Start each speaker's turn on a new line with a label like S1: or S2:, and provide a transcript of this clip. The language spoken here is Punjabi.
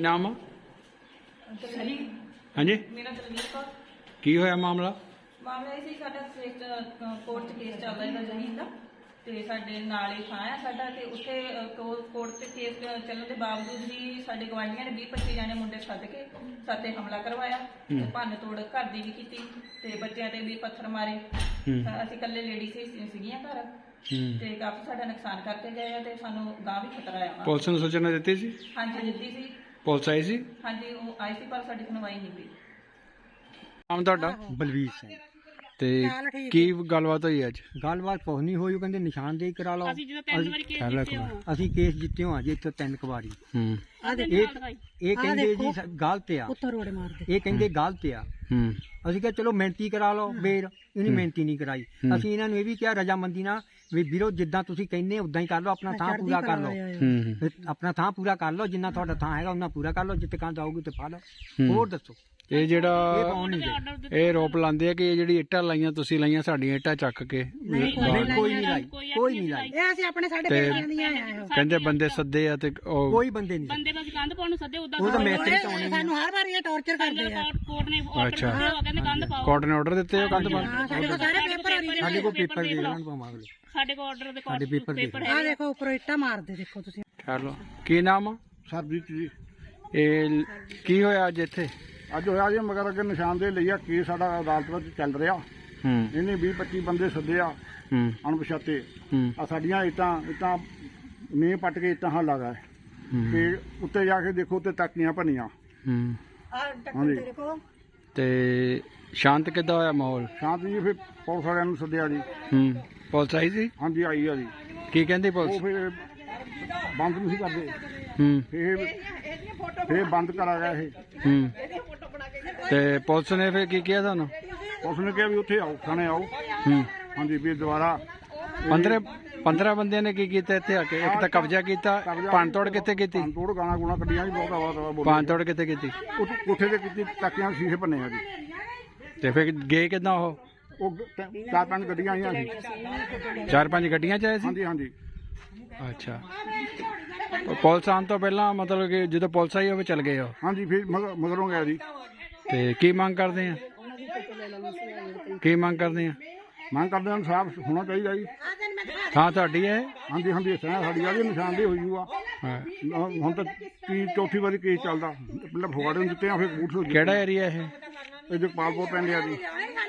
S1: नाम आ? हाँ जी
S2: मेरा दलवीर कौर।
S1: की होया मामला?
S2: ਮਾਮਲਾ ਇਹ ਸੀ ਸਾਡਾ ਕੋਰਟ 'ਚ ਕੇਸ ਚੱਲਦਾ ਇਹਦਾ ਜ਼ਮੀਨ ਦਾ ਤੇ ਸਾਡੇ ਨਾਲ ਹੀ ਥਾਂ ਆ ਸਾਡਾ ਤੇ ਉੱਥੇ ਕੋਰਟ 'ਚ ਕੇਸ ਚੱਲਣ ਦੇ ਬਾਵਜੂਦ ਵੀ ਸਾਡੇ ਗਵਾਂਢੀਆਂ ਨੇ 20-25 ਜਾਣੇ ਮੁੰਡੇ ਸੱਦ ਕੇ ਸਾਤੇ ਹਮਲਾ ਕਰਵਾਇਆ ਤੇ ਭੰਨ ਤੋੜ ਘਰ ਦੀ ਵੀ ਕੀਤੀ ਤੇ ਬੱਚਿਆਂ ਤੇ ਵੀ ਪੱਥਰ ਮਾਰੇ। ਅਸੀਂ ਇਕੱਲੇ ਲੇਡੀ ਸੀਗੀਆਂ ਘਰ ਤੇ ਕਾਫੀ ਸਾਡਾ ਨੁਕਸਾਨ ਕਰਕੇ ਗਏ ਆ ਤੇ ਸਾਨੂੰ ਗਾਂ ਵੀ ਖਤਰਾ ਆ।
S1: ਪੁਲਿਸ ਨੂੰ ਸੂਚਨਾ ਦਿੱਤੀ ਸੀ?
S2: ਹਾਂਜੀ ਦਿੱਤੀ ਸੀ।
S1: ਪੁਲਿਸ ਆਈ ਸੀ?
S2: ਹਾਂਜੀ ਉਹ ਆਈ ਸੀ ਪਰ ਸਾਡੀ ਸੁਣਵਾਈ ਨਹੀਂ ਹੋਈ।
S1: ਨਾਮ ਤੁਹਾਡਾ?
S3: ਬਲਵੀਰ ਸਿੰਘ।
S1: ਤੇ ਕੀ ਗੱਲਬਾਤ ਹੋਈ ਅੱਜ?
S3: ਗੱਲਬਾਤ ਕੁਛ ਨਹੀਂ ਹੋਈ, ਉਹ ਕਹਿੰਦੇ ਨਿਸ਼ਾਨਦੇਹੀ ਕਰਾ ਲਓ। ਅਸੀਂ ਕੇਸ ਜਿੱਤੇ ਹਾਂ ਜੀ ਇੱਥੇ 3 ਵਾਰੀ। ਇਹ ਕਹਿੰਦੇ ਜੀ ਗਲਤ ਆ, ਇਹ ਕਹਿੰਦੇ ਗਲਤ ਆ। ਅਸੀਂ ਕਿਹਾ ਚਲੋ ਮਿਹਨਤੀ ਕਰਾ ਲਓ, ਫੇਰ ਇਹਨੇ ਮਿਹਨਤੀ ਨਹੀਂ ਕਰਾਈ। ਅਸੀਂ ਇਹਨਾਂ ਨੂੰ ਇਹ ਵੀ ਕਿਹਾ ਰਜਾਮੰਦੀ ਨਾਲ ਵੀ ਵੀਰੋ ਜਿੱਦਾਂ ਤੁਸੀਂ ਕਹਿੰਦੇ ਉਦਾਂ ਹੀ ਕਰ ਲਓ, ਆਪਣਾ ਥਾਂ ਪੂਰਾ ਕਰ ਲਓ, ਆਪਣਾ ਥਾਂ ਪੂਰਾ ਕਰ ਲਓ, ਜਿੰਨਾ ਤੁਹਾਡਾ ਥਾਂ ਹੈਗਾ ਉਹਨਾਂ ਪੂਰਾ ਕਰ ਲਓ, ਜਿੱਥੇ ਕੰਧ ਆਊਗੀ ਤੇ ਪਾ ਲਓ। ਹੋਰ ਦੱਸੋ
S1: ਇਹ ਜਿਹੜਾ ਇਹ ਰੋਪ ਲਾਉਂਦੇ ਆ ਕਿ ਇਹ ਜਿਹੜੀ ਇੱਟਾਂ ਲਾਈਆਂ ਤੁਸੀਂ ਲਾਈਆਂ ਸਾਡੀਆਂ ਇੱਟਾਂ ਚੱਕ ਕੇ?
S3: ਕੋਈ ਨਹੀਂ ਲਾਈ, ਕੋਈ ਨਹੀਂ ਲਾਈ।
S4: ਇਹ ਅਸੀਂ ਆਪਣੇ ਸਾਡੇ ਪਿੰਡਾਂ ਦੀਆਂ ਆਏ
S1: ਕਹਿੰਦੇ ਬੰਦੇ ਸੱਦੇ ਆ ਤੇ
S3: ਕੋਈ ਬੰਦੇ ਨਹੀਂ।
S4: ਬੰਦੇ ਬਸ ਕੰਧ ਪਾਉਣ ਨੂੰ ਸੱਦੇ, ਉਦਾਂ
S3: ਉਹ ਤਾਂ ਮੈਸਤਰੀ ਚਾਉਣੇ
S4: ਸਾਨੂੰ ਹਰ ਵਾਰੀ ਇਹ ਟੌਰਚਰ ਕਰਦੇ ਆ। ਕੋਰਟ ਨੇ
S1: ਅੱਛਾ
S4: ਕਹਿੰਦੇ ਕੰਧ ਪਾਓ।
S1: ਕੋਰਟ ਨੇ ਆਰਡਰ ਦਿੱਤੇ ਹੋ ਕੰਧ ਪਾਉਣ?
S4: ਸਾਡੇ ਕੋਲ ਸਾਰੇ ਪੇਪਰ
S3: ਸਾਡੇ ਕੋਲ ਪੇਪਰ ਦੇ ਦੇਣ ਪਾਵਾਂਗੇ।
S4: ਸਾਡੇ ਕੋਲ ਆਰਡਰ ਦੇ
S3: ਸਾਡੇ ਪੇਪਰ
S4: ਆ ਦੇਖੋ ਉੱਪਰ ਇੱਟਾਂ ਮਾਰਦੇ ਦੇਖੋ ਤੁਸੀਂ।
S1: ਚਲੋ ਕੀ ਨਾਮ ਆ?
S5: ਸਰਬਜੀਤ ਜੀ।
S1: ਇਹ ਕੀ ਹੋਇਆ ਅੱਜ ਇੱਥੇ?
S5: ਅੱਜ ਹੋਇਆ ਜੀ ਮਗਰ ਅੱਗੇ ਨਿਸ਼ਾਨਦੇਹੀ ਲਈ ਆ, ਕੇਸ ਸਾਡਾ ਅਦਾਲਤ ਵਿੱਚ ਚੱਲ ਰਿਹਾ। ਇਹਨੇ 20-25 ਬੰਦੇ ਸੱਦੇ ਆ ਅਣਪਛਾਤੇ। ਆ ਸਾਡੀਆਂ ਇੱਟਾਂ ਨੀਂਹ ਪੱਟ ਕੇ ਇੱਟਾਂ ਹੱਲ ਲਗਾ ਤੇ ਉੱਤੇ ਜਾ ਕੇ ਦੇਖੋ ਤੇ ਟਾਕੀਆਂ ਭੰਨੀਆਂ। ਹਾਂਜੀ
S1: ਤੇ ਸ਼ਾਂਤ ਕਿੱਦਾਂ ਹੋਇਆ ਮਾਹੌਲ?
S5: ਸ਼ਾਂਤ ਜੀ ਫਿਰ ਪੁਲਿਸ ਵਾਲਿਆਂ ਨੂੰ ਸੱਦਿਆ ਜੀ।
S1: ਪੁਲਿਸ ਆਈ ਸੀ?
S5: ਹਾਂਜੀ ਆਈ ਆ ਜੀ।
S1: ਕੀ ਕਹਿੰਦੀ
S5: ਉਹ
S1: ਪੁਲਿਸ?
S5: ਫਿਰ ਬੰਦ ਨਹੀਂ ਸੀ ਕਰਦੇ, ਫਿਰ ਬੰਦ ਕਰਾ ਗਿਆ ਇਹ।
S1: ਤੇ ਪੁਲਿਸ ਨੇ ਫਿਰ ਕੀ ਕਿਹਾ ਤੁਹਾਨੂੰ?
S5: ਪੁਲਿਸ ਨੇ ਕਿਹਾ ਵੀ ਉੱਥੇ ਆਓ, ਥਾਣੇ ਆਓ। ਹਾਂਜੀ ਵੀ ਦੁਬਾਰਾ
S1: 15 ਬੰਦਿਆਂ ਨੇ ਕੀ ਕੀਤਾ ਇੱਥੇ ਆ ਕੇ? ਇੱਕ ਤਾਂ ਕਬਜ਼ਾ ਕੀਤਾ, ਭੰਨ ਤੋੜ ਕਿੱਥੇ ਕੀਤੀ?
S5: ਤੋੜ ਗਾਣਾ ਗੁਣਾ ਕੱਢੀਆਂ ਜੀ, ਬਹੁਤ ਆਵਾ
S1: ਭੰਨ ਤੋੜ ਕਿੱਥੇ ਕੀਤੀ?
S5: ਕੋਠੇ ਤੇ ਕੀਤੀ, ਟਾਕੀਆਂ ਸ਼ੀਸ਼ੇ ਭੰਨੇ ਆ ਜੀ।
S1: ਤੇ ਫਿਰ ਗਏ ਕਿੱਦਾਂ ਉਹ?
S5: 4-5 ਗੱਡੀਆਂ ਆਈਆਂ ਸੀ।
S1: 4-5 ਗੱਡੀਆਂ ਚ ਆਏ ਸੀ?
S5: ਹਾਂਜੀ ਹਾਂਜੀ।
S1: ਅੱਛਾ ਪੁਲਿਸ ਆਉਣ ਤੋਂ ਪਹਿਲਾਂ ਮਤਲਬ ਕਿ ਜਦੋਂ ਪੁਲਿਸ ਆਈ ਉਹ ਚਲ ਗਏ ਉਹ?
S5: ਹਾਂਜੀ ਫਿਰ ਮਗਰੋਂ ਗਿਆ ਜੀ।
S1: ਤੇ ਕੀ ਮੰਗ ਕਰਦੇ ਆ? ਕੀ ਮੰਗ ਕਰਦੇ ਆ?
S5: ਮੰਗ ਕਰਦੇ ਹਾਂ ਇਨਸਾਫ ਹੋਣਾ ਚਾਹੀਦਾ ਜੀ।
S1: ਥਾਂ ਤੁਹਾਡੀ ਹੈ?
S5: ਹਾਂਜੀ ਹਾਂਜੀ ਸਾਡੀ ਆ ਜੀ, ਨਿਸ਼ਾਨਦੇਹੀ ਹੋਈ ਹੋਆ। ਹੁਣ ਤਾਂ ਚੌਥੀ ਵਾਰੀ ਕੇਸ ਚੱਲਦਾ। ਪਹਿਲਾਂ ਫਗਵਾੜੇ ਨੂੰ ਦਿੱਤੇ ਆ, ਫਿਰ ਕਪੂਰਥਲੇ।
S1: ਕਿਹੜਾ ਏਰੀਆ ਇਹ?
S5: ਇਹ ਜਗਪਾਲਪੁਰ ਪੈਂਦੇ ਆ ਜੀ।